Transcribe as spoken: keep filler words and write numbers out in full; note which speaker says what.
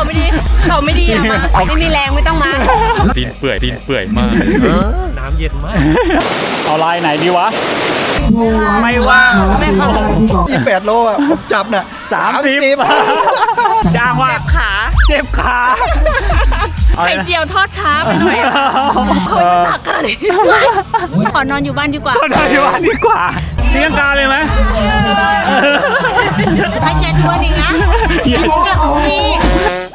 Speaker 1: ไม่ดีเขาไม่ดีอะมาไม่มีแรงไม่ต้องมา
Speaker 2: ตีนเปื่อยตีนเปื่อยมากน้ำเย็นมาก
Speaker 3: เอาลายไหนดีวะไม่ว่างไม่เข้า
Speaker 4: ยี่สิบแปดโลอ่ะผมจับน่ะ
Speaker 3: สามสิบจ้างว่า
Speaker 1: เจ็บขา
Speaker 3: เจ็บขา
Speaker 1: ไข่เจียวทอดช้าไปหน่อยอะเฮ้ยมันหนักขนาดนี้ขอนอนอยู่บ้านดีกว่า
Speaker 3: ก็ได้ว่าดีกว่าเลี้ยงกาเลยไหม
Speaker 1: ให้เจ็ดตัวหนึ่งนะ
Speaker 3: เย็น
Speaker 1: จะของพี่